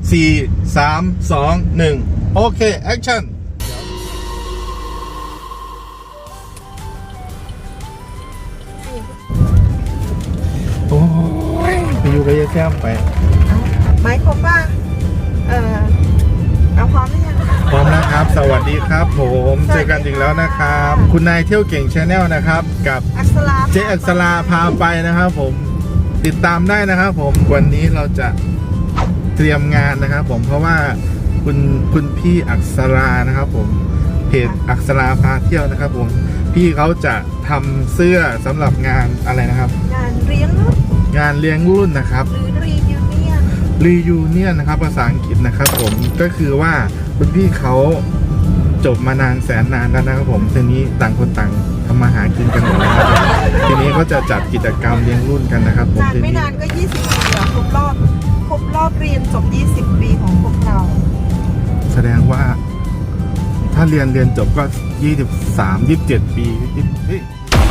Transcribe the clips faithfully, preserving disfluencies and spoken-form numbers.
สี่ สาม สอง หนึ่งโอเคแอคชั่นโอ้ยไปอยู่กับยายแซมไปไม้ครบป่ะเออเอาพร้อมหรือยังพร้อมนะครับ สวัสดีครับผมเจอกันอีกแล้วนะครับ คุณนายเที่ยวเก่งชาแนลนะครับกับอักษราเจ๊อักษราพาไปนะครับผมติดตามได้นะครับผมวันนี้เราจะเตรียมงานนะครับผมเพราะว่าคุณคุณพี่อักษรานะครับผมเพจอักษราพาเที่ยวนะครับผมพี่เขาจะทำเสื้อสำหรับงานอะไรนะครับงานเลี้ยงรุ่นงานเลี้ยงรุ่นนะครับหรือรียูเนียนรียูเนียนนะครับภาษาอังกฤษนะครับผมก็คือว่าคุณพี่เขาจบมานานแสนนานแล้วนะครับผมทีนี้ต่างคนต่างทำมาหากินกันหมดแล้วนะครับทีนี้ก็จะจัดกิจกรรมเลี้ยงรุ่นกันนะครับผมนานทีไม่นี้นานก็ยี่สิบปีแล้วครบรอบครบรอบเรียนจบยี่สิบปีของพวกเราแสดงว่า ถ้าเรียนเรียนจบก็ยี่สิบสาม ยี่สิบเจ็ดปีเฮ้ย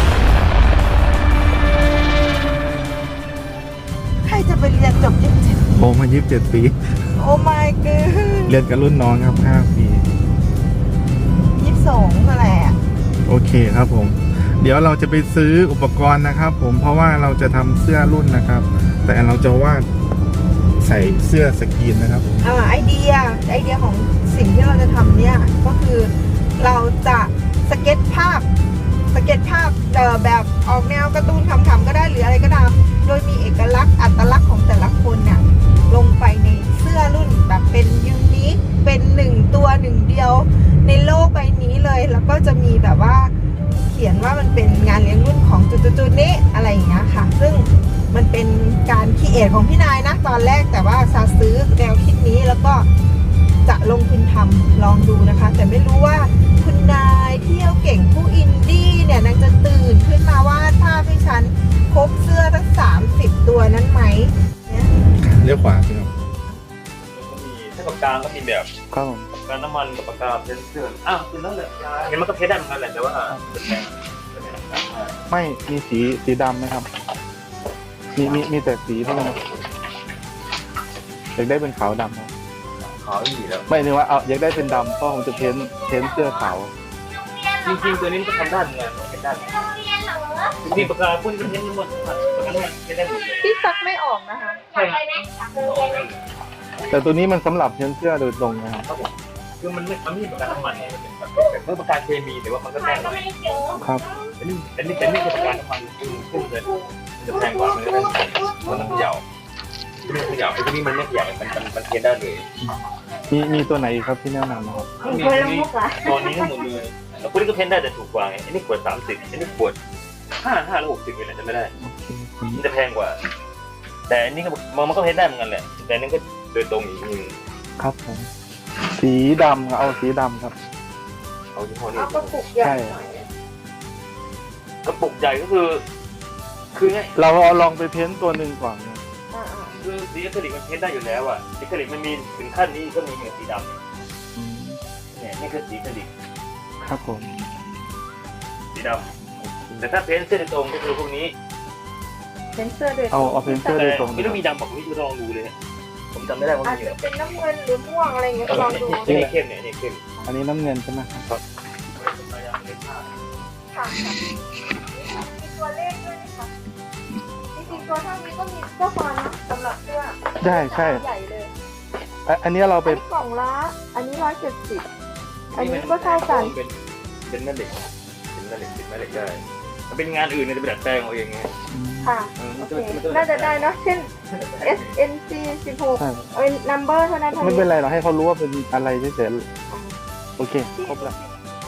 ใครจะไปเรียนจบยี่สิบเจ็ดผมมายี่สิบเจ็ดปีโอ้ my god เรียนกับรุ่นน้องครับห้าปียี่สิบสองนั่นแหละโอเคครับผม เดี๋ยวเราจะไปซื้ออุปกรณ์นะครับผมเพราะว่าเราจะทำเสื้อรุ่นนะครับ แต่เราจะวาดใส่เสื้อสกรีนนะครับผมอ่าไอเดียไอเดียของสิ่งที่เราจะทำเนี่ยก็คือเราจะสเก็ตภาพสเก็ตภาพเอ่อแบบออกแนวการ์ตูนขำๆก็ได้หรืออะไรก็ตามโดยมีเอกลักษณ์อัตลักษณ์ของแต่ละคนเนี่ยลงไปในเสื้อรุ่นแบบเป็นยูนิคเป็นหนึ่งตัวหนึ่งเดียวในโลกใบนี้เลยแล้วก็จะมีแบบว่าเขียนว่ามันเป็นงานเลี้ยงรุ่นของจุดๆนี้อะไรอย่างเงี้ยค่ะซึ่งมันเป็นการคิดเอทของพี่นายนะตอนแรกแต่ว่าซาซื้อแนวคิดนี้แล้วก็จะลงทุนทำลองดูนะคะ แต่ไม่รู้ว่าคุณนายเที่ยวเก่งผู้อินดี้เนี่ยนางจะตื่นขึ้นมาวาดภาพให้ฉันครบเสื้อทั้งสามสิบตัวนั้นไหมเนี่ยเลี้ยวขวาพี่ครับก็มีถ้าปากกาก็มีแบบครับผมปากกาน้ำมันกับปากกาเพนเซอร์อ้าวคือนั่นแหละเห็นมันก็เพชรได้เหมือนกันแหละแต่ว่าเป็นแพงเป็นแพงไม่มีสีสีดำไหมครับ มีมีมีแต่สีเท่านั้นอยากได้เป็นขาวดำครับขาวอีกแล้วไม่นึกว่าเอาอยากได้เป็นดำเพราะผมจะเพ้นเพ้นเสื้อขาวจริงๆตัวนี้มันก็ทำได้เหมือนกันเป็นได้จริงๆปากกาพุ่นก็เพ้นหมดปากกาน้ำมันเพ้นได้หมดเลยพี่ซักไม่ออกนะคะใช่ครับแต่ตัวนี้มันสำหรับเพ้นเสื้อโดยตรงนะครับครับผมคือมันไม่มันไม่ใช่ปากกาน้ำมันมันเป็นแบบเมื่อปากกาเคมีแต่ว่ามันก็แพงกว่าครับอันนี้อันนี้แต่นี่คือปากกาน้ำมันคือขึ้นเลยมันจะแพงกว่ามันเลยมันต้องเขย่าที่มันเขย่าไอ้ตัวนี้มันไม่เขย่ามันมันมันเพ้นได้เลยมีมีตัวไหนอีกครับที่แนะนำนะครับมีตัวนี้ตัวนี้ทั้งหมดเลยแล้วคนนี้ก็เพ้นได้แต่ถูกกว่าไงอันนี้ขวดสามสิบอันนี้ขวดห้าห้าหรือหกสิบเลยนะจะไม่ได้โอเคมันจะแพงกว่า แต่อันนี้ก็มันมันก็เพ้นได้เหมือนกันแหละแต่อันนี้ก็โดยตรงอีกนึงครับผม สีดำครับเอาสีดำครับเอาที่ห้อนี้เอากระปุกใหญ่หน่อยกระปุกใหญ่ก็คือ คือไงเราเอาลองไปเพ้นตัวหนึ่งก่อนนะอ่าคือสีอะคริลิกมันเพ้นได้อยู่แล้วอ่ะสีอะคริลิกมันมีถึงขั้นนี้ก็มีเหมือนสีดำอืมเนี่ยนี่คือสีอะคริลิกครับผมสีดำแต่ถ้าเพ้นเส้นตรงก็คือพวกนี้ๆเป็นเสื้อโดยตรเอางเอาเพ้นเสื้อโดยตรงไม่ต้องมีดำบอกไม่ต้องลองดูเลยผมจำไม่ได้ว่าอามีจเหรจะอเป็นน้ำเงินหรือม่วงอะไรอย่างเงี้ยก็ลองดูนี่เข้มเนี่ยนี่เข้มอันนี้น้ำเงินใช่ไหมครับค่ะค่ะมีตัวเลขด้วยนะคะจริงๆตัวเท่านี้ก็มีก็พอนะสำหรับเสื้อได้ใช่ใหญ่เลยอ่ะอันนี้เราอัไปนนี้กล่องละอันนี้ร้อยเจ็ดสิบอันนี้ก็เท่ากันเป็นเป็นแม่เหล็กเป็นแม่เหล็กเป็นแม่เหล็กได้มันเป็นงานอื่นเนี่ยจะไปดัดแปลงเอาเองไงค่ะเออโอมันเคจะมันจะน่าจะได้เนอะเช่น เอส เอ็น ซี สิบหกใช่เอ้ย number เท่านั้นเท่าไม่นี้เป็นไรเราให้เขารู้ว่าเป็นอะไรเฉยๆโอเคครบแล้ว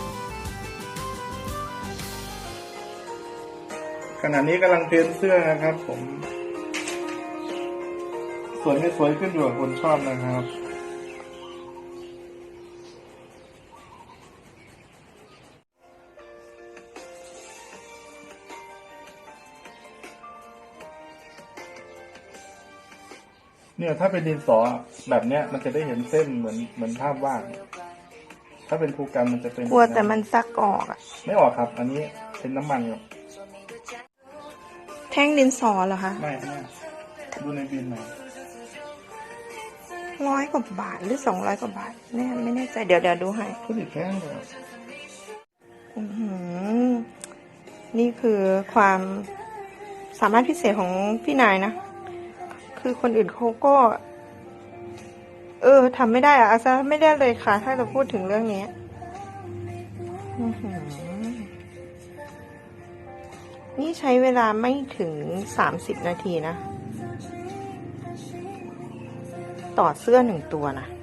ขณะนี้กำลังเพ้นเสื้อนะครับ ผมสวยไม่สวยขึ้นอยู่กับคนชอบนะครับเนี่ยถ้าเป็นดินสอแบบเนี้ยมันจะได้เห็นเส้นเหมือนเหมือนภาพวาดถ้าเป็นภูกรรมมันจะเป็นกลัวแต่มันซักออกอะไม่ออกครับ อันนี้เป็นน้ำมันครับแท่งดินสอเหรอคะไม่ไม่ดูในบินหน่อยร้อยกว่าบาทหรือสองร้อยกว่าบาทแน่ไม่แน่ใจเดี๋ยวเดี๋ยวดูให้ก็ติดแพงเลยอื้อหือนี่คือความสามารถพิเศษของพี่นายนะ คือคนอื่นเขาก็ เออทำไม่ได้อะอาซาไม่ได้เลยค่ะ ถ้าจะพูดถึงเรื่องนี้อื้อหือนี่ใช้เวลาไม่ถึงสามสิบนาทีนะ ต่อเสื้อหนึ่งตัวนะ